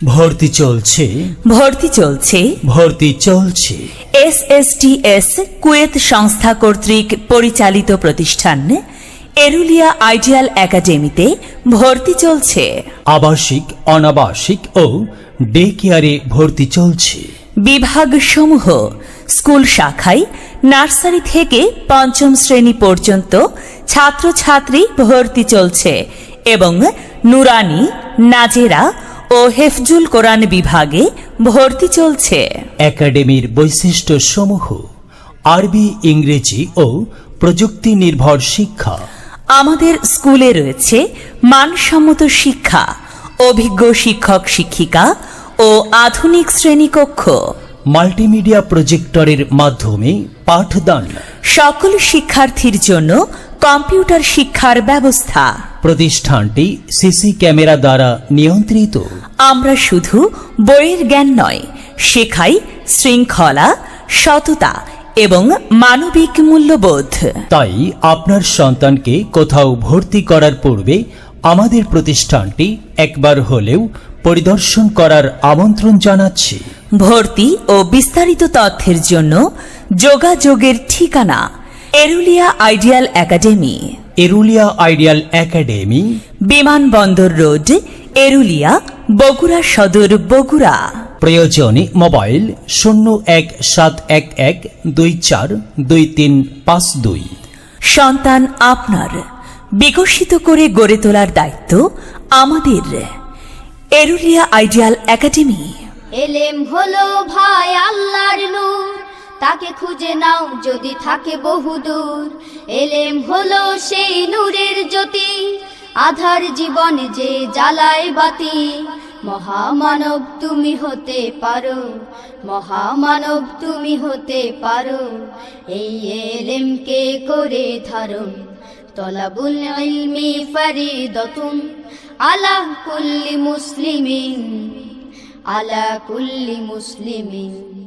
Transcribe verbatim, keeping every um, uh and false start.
ভর্তি চলছে ভর্তি চলছে ভর্তি চলছে S S T S Kuwait সংস্থা কর্তৃক পরিচালিত প্রতিষ্ঠান এরুলিয়া আইডিয়াল একাডেমিতে ভর্তি চলছে। আবাসিক, অনাবাসিক ও ডে কেয়ারে ভর্তি চলছে। বিভাগসমূহ স্কুল শাখায় নার্সারি থেকে পঞ্চম শ্রেণী পর্যন্ত ছাত্রছাত্রী ভর্তি চলছে এবং নুরানি, নাজেরা ও হেফজুল কোরআন বিভাগে ভর্তি চলছে। একাডেমির বৈশিষ্ট্য সমূহ আরবি, ইংরেজি ও প্রযুক্তি নির্ভর শিক্ষা। আমাদের স্কুলে রয়েছে মানসম্মত শিক্ষা, অভিজ্ঞ শিক্ষক শিক্ষিকা ও আধুনিক শ্রেণীকক্ষ। মাল্টিমিডিয়া প্রজেক্টরের মাধ্যমে পাঠদান। সকল শিক্ষার্থীর জন্য কম্পিউটার শিক্ষার ব্যবস্থা। প্রতিষ্ঠানটি সিসি ক্যামেরা দ্বারা নিয়ন্ত্রিত। আমরা শুধু বইয়ের জ্ঞান নয়, শেখাই শৃঙ্খলা, সততা এবং মানবিক মূল্যবোধ। তাই আপনার সন্তানকে কোথাও ভর্তি করার পূর্বে আমাদের প্রতিষ্ঠানটি একবার হলেও পরিদর্শন করার আমন্ত্রণ জানাচ্ছি। ভর্তি ও বিস্তারিত তথ্যের জন্য যোগাযোগের ঠিকানা Erulia ideal academy, Erulia ideal academy, বিমানবন্দর রোড, এরুলিয়া, বগুড়া সদর, বগুড়া। প্রয়োজনে মোবাইল শূন্য এক সাত এক এক দুই চার দুই তিন পাঁচ দুই। সন্তান আপনার, বিকশিত করে গড়ে তোলার দায়িত্ব আমাদের। Erulia ideal academy. এলেম হলো ভাই আল্লাহর নূর, তাকে খুঁজে নাও যদি থাকে বহুদূর। এলেম হলো সেই নূরের জ্যোতি, আধার জীবন যে জ্বালায় বাতি। মহামানব তুমি হতে পারো, মহামানব তুমি হতে পারো। এই এলেমকে করে ধারণ, তলাবুল ইলমি ফরিদাতুন আলা কুল্লি মুসলিমিন, আলা কুল্লি মুসলিমিন।